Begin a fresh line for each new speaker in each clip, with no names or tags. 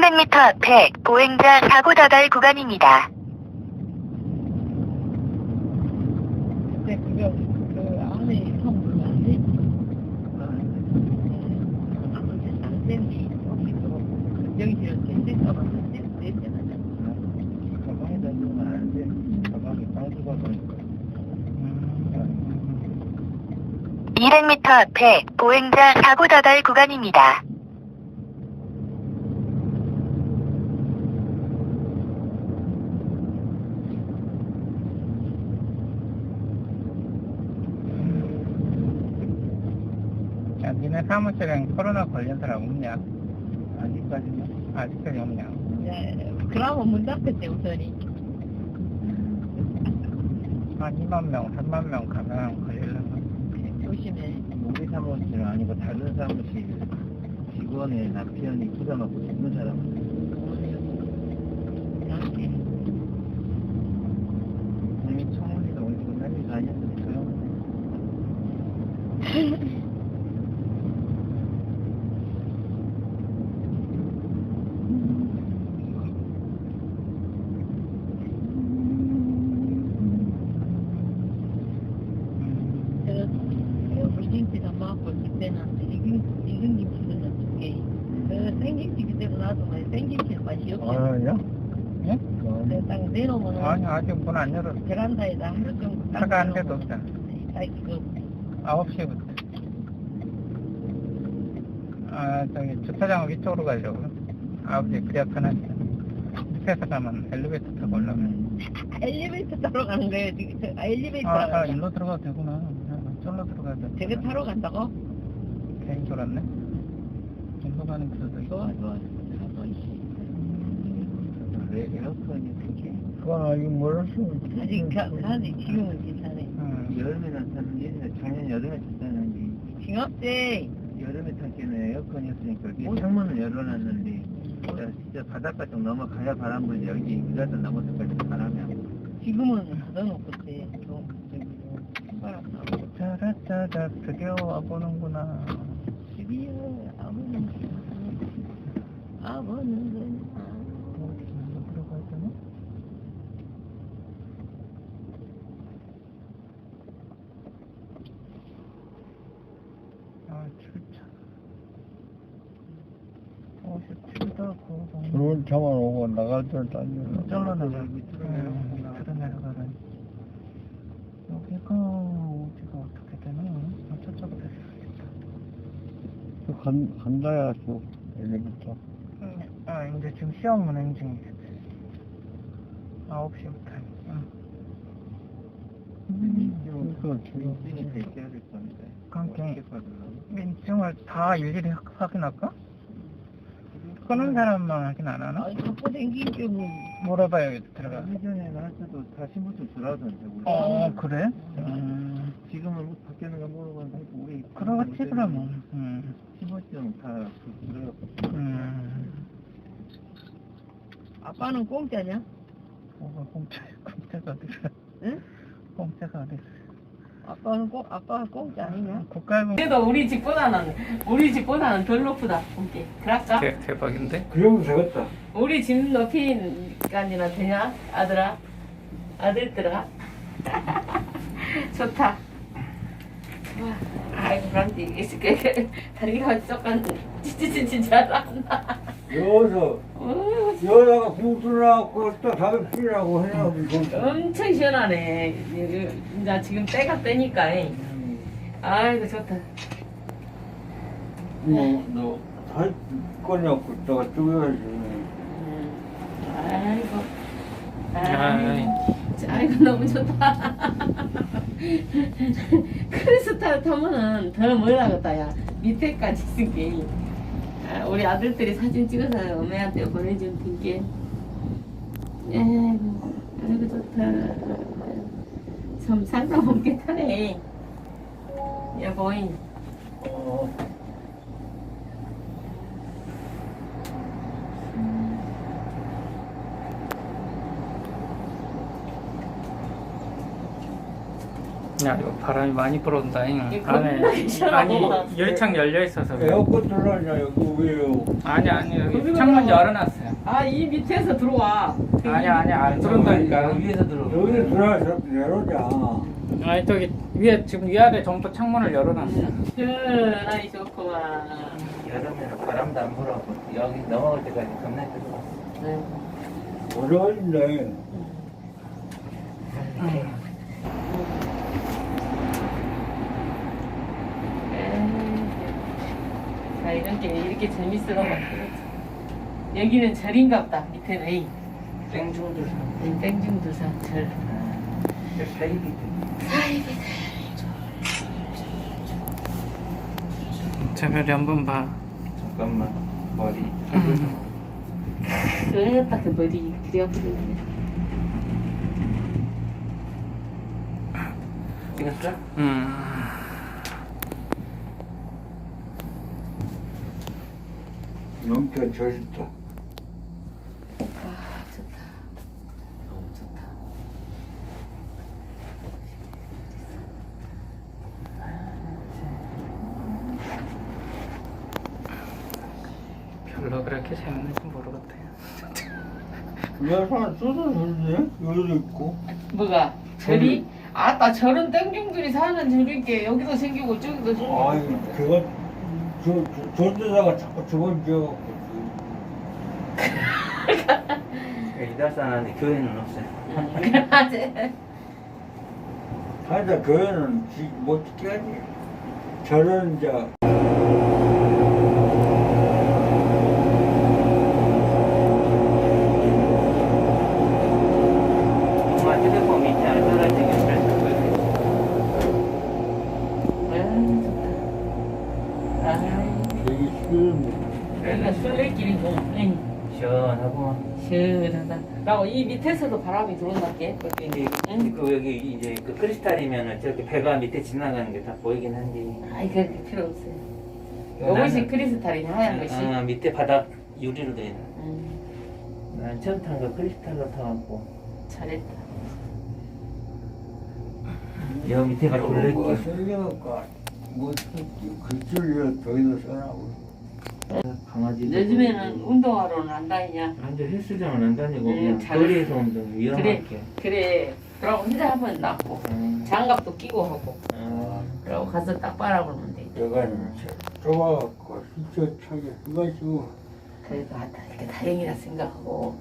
300m 앞에 보행자 사고 다발 구간입니다.
근데 그거 그 안에 형 그거 안 돼? 안 되니 여기 지금 젠제가 왔는데 냄새나잖아.
가방에다 넣으면 안 돼. 가방에 빵수가 보니까.
200m 앞에 보행자 사고 다발 구간입니다.
야, 니네 사무실엔 코로나 걸린 사람 없냐? 아직까지는? 아직까지 없냐?
야, 그러면 문 닫겠대 우선이.
한 2만 명, 3만 명 가면 걸리려면.
조심해.
우리 사무실 아니고 다른 사무실 직원의 남편이 부담하고 죽는 사람은
이렇게.
이미 청문회가 오늘 끝나기가 아니었으니까요.
제가 물김치가 먹고 그때는 익은 김치를 넣어줄게. 그 생김치 그대로 놔두면 생김치는 맛이 없어.
아니요?
예?
그래서 딱 내놓으면
아니, 아직 문 안 열었어.
베란다에다 하루 정도 딱
차가 한 대도
내놓으면
없잖아.
아이 그
9시부터. 아, 저기 주차장 위쪽으로 가려고. 9시 그래야 편하지. 밑에서 가면 엘리베이터 타고 올라가면.
엘리베이터 타러 가는 거예요 지금. 엘리베이터
아, 일로 들어가도 되구나. 저로 들어가야 돼.
저거 타러 간다고?
괜히 돌았네. 일로 가는 길도 있고.
좋아 가서 있지.
왜 에어컨이 그게
그건 아직 몰랐어.
아직 가지 지금은 괜찮네.
여름에 나타나는 예전에 작년 여름에 탔다는데
징업대
여름에 탔기는 에어컨이었으니까 이게 창문을 열어놨는데 진짜 바닷가 쪽 넘어가야 바람 불지 여기 이라도 넘어서까지 바람이 안 불어.
지금은 닫아놓고 때 바람 나고
짜라짜라 드디어 와보는구나.
드디어 아버는 그냥
어디로 들어가야 되나? 아, 출차. 57도 9.
좋은 차만 오고 나갈 때는 딴
잘라 나가.
밑으로 내려가면
밑으로 내려가라니. 여기가 어디가 어떻게 되나? 아, 저쪽으로 내려가겠다.
간다야 또 엘리베이터.
아, 이제 지금 시험 운행 중이겠지. 9시부터.
그러니까 지금
민증이 다 있어야 될 건데
그러니까
어떻게 받으려고?
민증을 다 일일이 확인할까? 끄는 사람만 확인 안 하나?
아니 갖고 댕기지 뭐
물어봐야겠다. 들어가.
예전에 나한테도 다 신분증 주라던데 우리.
그래?
지금은 바뀌는 거 모르겠는데 우리
그러겠지, 그러면.
신분증 다 주라고.
아빠는 공짜냐?
공짜가 어디서?
응?
공짜가 어디서?
아빠가 공짜 아니냐?
국가공.
그래도 우리 집보다는 덜 높다. 오케이. 그럴까?
대박인데?
그 정도 되겠다.
우리 집 높이까지나 되냐? 아들아? 아들들아? 좋다. 좋아. 아이고, 그런데 이게 다리가 조금 찌찌찌찌 잘한다.
여기서 여자가 구슬하고 또 담배 피라고 해야
엄청 시원하네. 이제 지금 때가 때니까. 아이고, 좋다.
뭐너할 거냐고 내가 쪼여야지.
아이고, 너무 좋다. 크리스탈 타면은 더 멀어가겠다, 야. 밑에까지 있을게. 우리 아들들이 사진 찍어서 어머니한테 보내준 핑계. 아이고, 좋다. 좀 살다 보게 타네. 여보잉.
야, 이거 바람이 많이 불어온다.
이거
안에
겁나게 시원하고.
아니 열창 열려 있어서. 그래.
에어컨 들어가냐 여기 왜요?
아니 여기
여기가
창문
들어가.
열어놨어요.
아, 이 밑에서 들어와.
아니 안 들어온다니까.
위에서 들어.
여기 들어가서 내려오자.
아니 저기 위에 지금 위아래 전부 창문을 열어놨어요.
시원하니 좋구만.
여름에는 바람도 안 불어고 여기 넘어갈 때까지 겁나 뜨거워.
네.
어려운데
자, 이런 게 이렇게 재밌으라고. 여기는 절인갑다. 밑에는 에이.
땡중들
땡중도사 절.
사이비.
재별이 한번 봐.
잠깐만 머리.
그랬다 그 머리 그려버리네.
찍었어?
넘겨 젖었다.
아, 좋다. 너무 좋다.
별로 그렇게 재밌는지 모르겠대요.
내가 쏟아졌네. 여기도 있고.
뭐가? 절이? 아따 절은 땡중들이 사는 절인게 여기도 생기고 저기도 생기고.
아이 그거 저데다가 자꾸 저걸 지어갖고.
이달산 안에 교회는 없어요.
하여튼 교회는 못 지게 하지. 저는 이제
엄마 휴대폰 밑에 안 떨어지게 잘 쓰고 있어요.
되게 싫은
여기가 술래길이고. 응.
시원하고.
시원하다. 라고 이 밑에서도 바람이 들어온다게.
이제 그 여기 이제 그 크리스탈이면은 저렇게 배가 밑에 지나가는 게 다 보이긴 한데.
아이 그게 필요 없어요. 요것이 크리스탈이냐 하얀 것이.
밑에 바닥 유리로 돼 있는.
음,
난 처음 탄 거 크리스탈로 타갖고.
잘했다.
여기 밑에가
뭐가
돌레길.
생겨갖고 뭐 글줄이라 더 이상 써나고.
강아지.
요즘에는 운동하러는 안 다니냐?
완전 헬스장은 안 다니고 그냥
잘-
거리에서 운동 위험하게.
그래. 그러고 혼자 한번 낫고 장갑도 끼고 하고. 그러고 가서 딱 빨아보면 돼.
내가 좁아갖고 휘저차게 해가지고
그래도 아, 이렇게 다행이라 생각하고.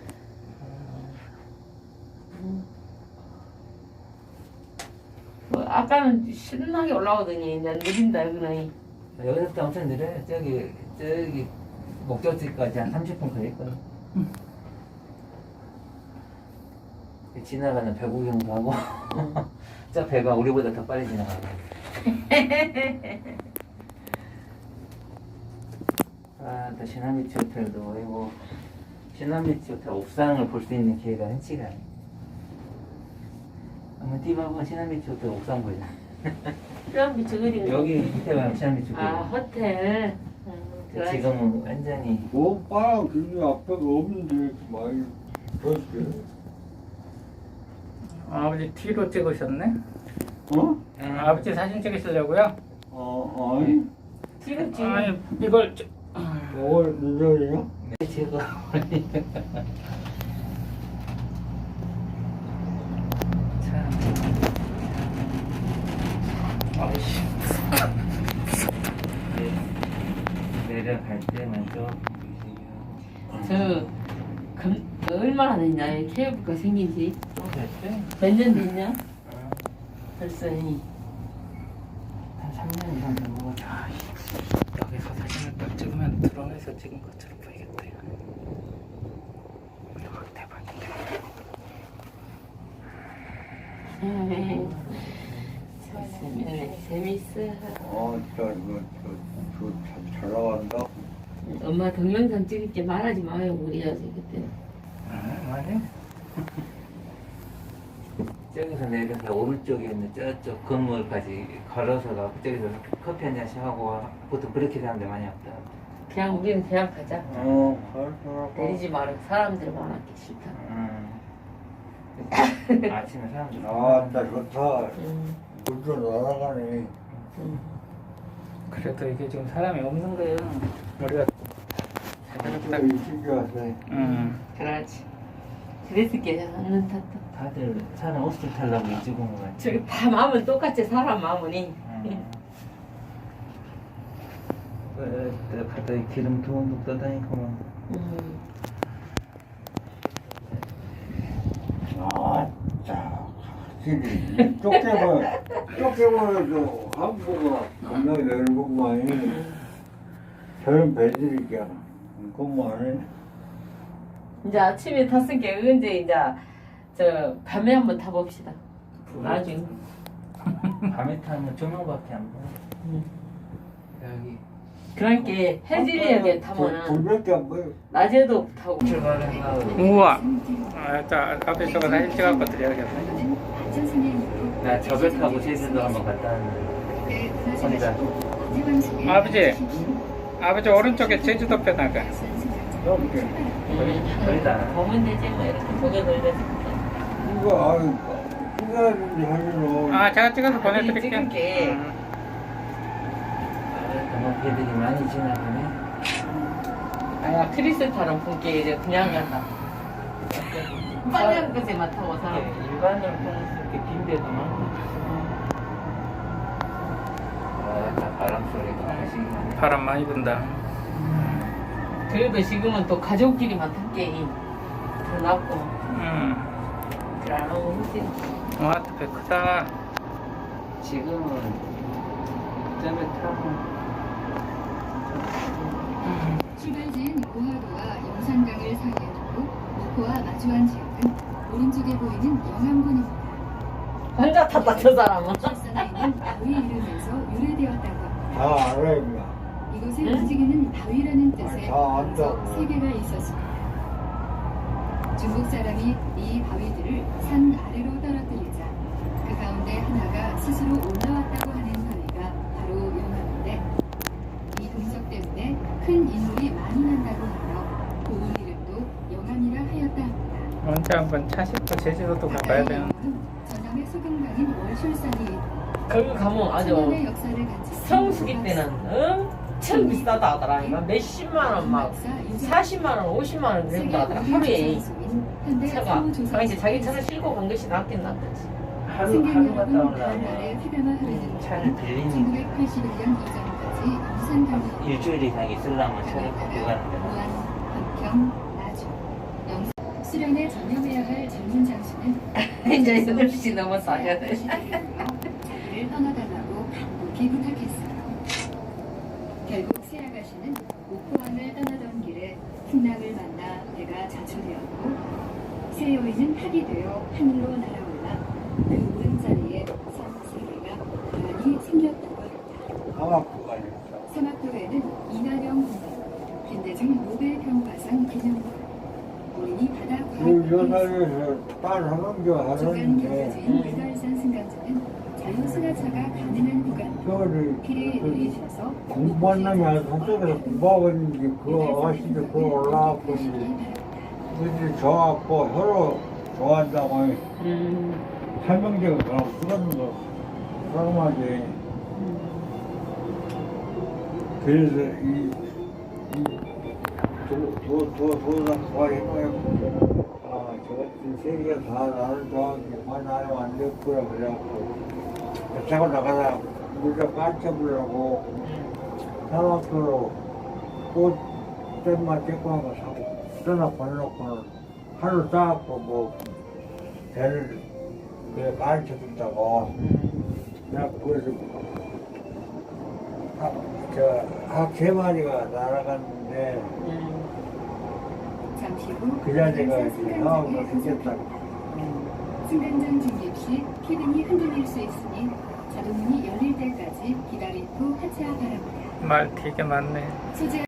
뭐 아까는 신나게 올라오더니 이제 느린다 여기는.
여기서부터 엄청 느려요. 저기 목적지까지 한 30분 걸릴거예요. 지나가는 배 구경도 하고 저 배가 우리보다 더 빨리 지나가고. 또 시나미치 호텔도 보이고 시나미치 호텔 옥상을 볼 수 있는 기회가 흔치가 않아요. 한번 뛰어보면 시나미치 호텔 옥상 보이잖아.
그럼 미쳐 그린 거.
여기 밑에 가면 시나미치 호텔.
아 호텔. 들어가시-
지금은 완전히
오빠랑 그게 앞에가 없는데 이렇게 많이 줬어요.
아버지 뒤로 찍으셨네?
어?
아버지 사진 찍으시려고요?
아니
지금 지금
아니 이걸
이걸 늦어요?
제거. 참.
아이씨
내려갈 때만 좀
얼마나 됐냐 이 케이블카 생긴 지?
됐어요.
몇 년 됐냐? 벌써 이
한 3년 이상 된 거 같아.
여기서 사진을 딱 찍으면 드론에서 찍은 것처럼 보이겠대요. 와, 대박인데.
재밌네 재밌어.
진짜 이거 잘 나간다.
엄마 동영상 찍을 게 말하지 마요 우리 아직 그때.
많이?
저기서 내려서 오른쪽에 있는 저쪽 건물까지 걸어서 가고 저기서 커피 한 잔씩 하고 보통 그렇게 사람들 많이 없다.
그냥 우리는 그냥 가자.
가서
내리지 마라 사람들 많았기 싫다.
아침에 사람들
나 좋다. 벌써 날아가네.
그래도 이게 지금 사람이 없는 거예요. 우리가
딱 일찍 왔네.
그렇지. 그래서 깨졌는 탓도.
다들 사람 옷을 타려고 일찍 온 거야.
저기 다 마음은 똑같지 사람 마음이.
갔다 기름 둥둥 떠다니고만.
아따, 확실히 쫓겨버려도 한국어 겁나게 넓은구만. 저런 배들이야. 그거 안 해.
이제 아침에 탔으니까 언제 이제 저 밤에 한번 타봅시다. 나중에.
밤에 타면 조명밖에 안 보여. 여기
그러니까 해질녘에 타면은
불밖에 안 보여.
낮에도 타고.
우와. 자, 앞에 저거 다 일찍 갖고 드려야겠네.
나 저걸 타고 제주도 한번 갔다 왔는데 혼자.
아버지 오른쪽에 제주도 편하가.
이렇게.
거의 다.
보면 되지 뭐 이렇게 고개 돌려서.
이거, 아유, 후회하는지 하면은.
아, 제가 찍어서 보내드릴게요.
찍을게.
그만 배들이 많이 지나가네.
아야 크리스탈은 분께 이제 그냥 간다. 빨간 것에만 타고 사람.
일반으로 이렇게 빈 데도 많고. 아, 바람 소리가 나시긴
바람 많이 분다.
그래도 지금은 또 가족끼리만 탈게 더 낫고. 그래 안 하고 그치?
와, 배 크다.
지금은 점에 타고
출발지인 고하도와 영산강을 사이에 두고 목포와 마주한 지역은 오른쪽에 보이는 영암군입니다.
혼자 탔다 저 사람은.
출산에 있는 바위 이름에서 유래되었다고 합니다.
다 알아, 임마.
이곳에
응?
움직이는 바위라는 뜻의
다 안다고.
문석 3개가 있었습니다. 중국 사람이 이 바위들을 산 아래로 떨어뜨리자 그 가운데 하나가 스스로 올라왔다고 하는 바위가 바로 영암인데 이 동석 때문에 큰 인물이 많이 난다고 하여 고을 이름도 영암이라 하였다 합니다.
언제 한번 차 싣고 제주도도 가봐야 되는.
전남의 소금강인 월출산이 있고
거기 가면 아주
천년의 역사를 갖춘
성수기 때는 엄청 비싸다 하더라. 이거 몇십만 원 막 40만 원, 50만 원 그런다 하더라. 하루에 차가. 당시 자기 차를 싣고 간 것이 낫긴 낫겠지.
하루 갔다 오려면
차를
차를 빌리니까
1981년 이전까지 영산강이
일주일 이상 있으려면 차를 갖고 가는 거야.
무안, 박평, 나주, 영산 수련에 전념해야 할 전문 장수는
이제 8시 넘었어.
자리를 떠나달라고 간곡히 부탁했어요. 결국 새 아가씨는 목포항을 떠나던 길에 풍랑을 만나 배가 자초되었고 새 여인은 학이 되어 하늘로 날아올라 그 오른자리에 산 3개가 고란이 생겼다고 합니다.
강압구가 있어.
사막도에는 이나령 공원, 현대중 노벨평화상 기념관, 어린이 바다
그
과학
여사에서 딸 한강교
중간
하는데,
경사지인 이달산 승강장은 자유 승하차가 가능한 구간
저를
길에 내리셔서
공부한 놈이 아주 저쪽에서 공부하고 있는데, 그 아가씨도 그거 올라왔고, 그들이 좋아갖고 서로 좋아한다고 설명제가 그럼 그런 거 사람하지. 그래서 도장 좋아해놓고 저것들 세계가 다 나를 좋아하기 나를 안 됐구나 그래갖고 자고 나가다 물에 빠져보려고 사막도로 꽃들만 찍고 한거 사고 떠나 보내놓고는 하루 싸갖고 뭐 배를 그래 가르쳐준다고 내가 그래서 학 3마리가 날아갔는데
잠시 후
그 자리가 이제
승강장에
나오고
도착합니다.
생겼다고.
승강장 진입 시 키등이 흔들릴 수 있으니 자동문이 열릴 때까지 기다린 후 하차 바랍니다.
말 되게 많네.
소재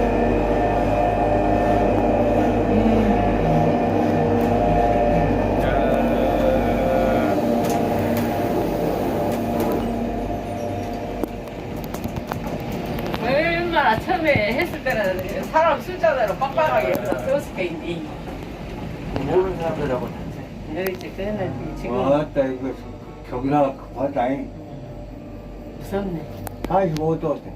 얼마나 처음에 했을 때는 사람 숫자대로 빡빡하게 세웠을 때인데
모르는 사람들하고 탔지.
이제 그는 지금
맞다 이거 저기나 과장이
무섭네.
45도 되겠다.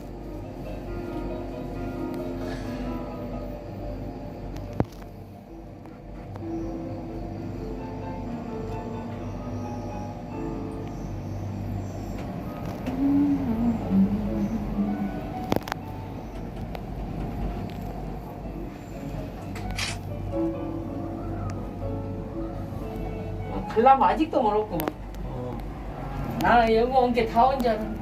갈라면 아직도 멀었구만. 나는 여기 온 게 다 온 줄 알았네.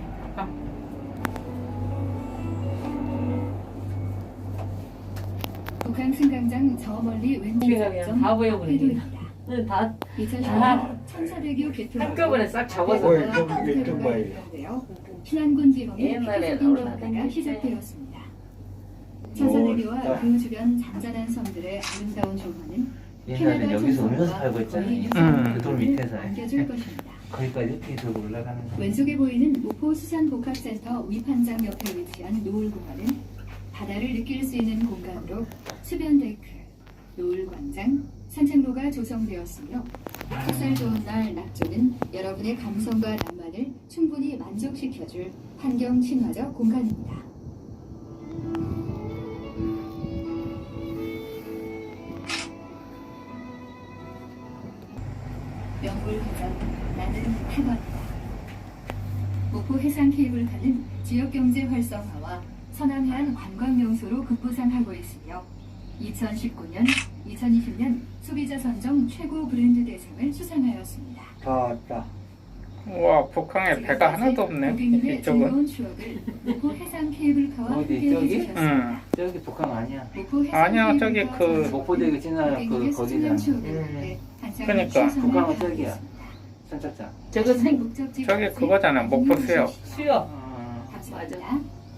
북한 승강장 저 멀리 왼쪽
우리가 그냥
점
다 보여버리네.
회도입니다.
다
2010년 천사대교 개통
한꺼번에 싹 잡아서.
왜 좀 봐야
신안군 지방의
옛날에
폐쇄적인
올라다닐
변화가
때.
시작되었습니다. 천사대교와
뭐,
그 주변 잔잔한 섬들의 아름다운 조화는
옛날에 여기서 음료수 팔고 했잖아요. 그 돌 밑에서.
안겨줄 것입니다.
거기까지 이렇게 들고 올라가는 거.
왼쪽에 보이는 모포 수산복합센터 위판장 옆에 위치한 노을 공간은 바다를 느낄 수 있는 공간으로 수변 데크, 노을 광장, 산책로가 조성되었으며 햇살 좋은 날 낙조는 여러분의 감성과 낭만을 충분히 만족시켜줄 환경 친화적 공간입니다. 명불허전 나는 타거리다. 목포 해상 케이블카는 지역경제 활성화와 서남해안 관광명소로 급부상하고 있으며 2019년, 2020년 소비자 선정 최고 브랜드 대상을 수상하였습니다.
다 왔다.
우와, 북한에 배가 하나도 없네.
고객님의
이쪽은.
즐거운 추억을 목포 해상 케이블카와
어디,
함께
저기?
해주셨습니다.
응.
저기 북한 아니야.
목포 해상
아니야, 저기
케이블카와
그
함께
목포대교 지나가
고객님의
그
소중한
거기잖아.
추억을 위해 한상을
그러니까.
충성을
북한은 저기야.
다하겠습니다.
선착장.
저거 생
목적지
저기
앞에
그거잖아, 목포 수역.
수요.
감사합니다.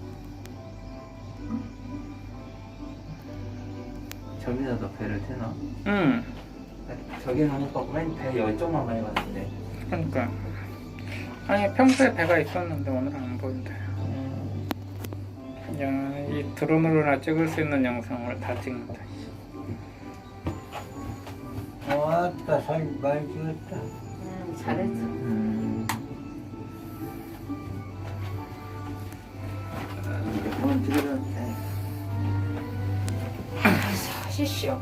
저기서도 배를 태나?
응.
저기는 못 봤고 맨 배 이쪽만 많이 봤는데.
그러니까. 아니, 평소에 배가 있었는데 오늘은 안 보인다. 야, 이 드론으로나 찍을 수 있는 영상을 다 찍는다.
왔다, 사진 많이 찍었다.
잘했어.
한번 찍어줬는데.
쉬쉬어.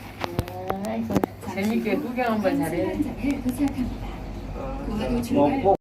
아이고, 재밌게 구경 한번 잘해.
승강장에 도착합니다. 고하로
뭐,
출발
뭐,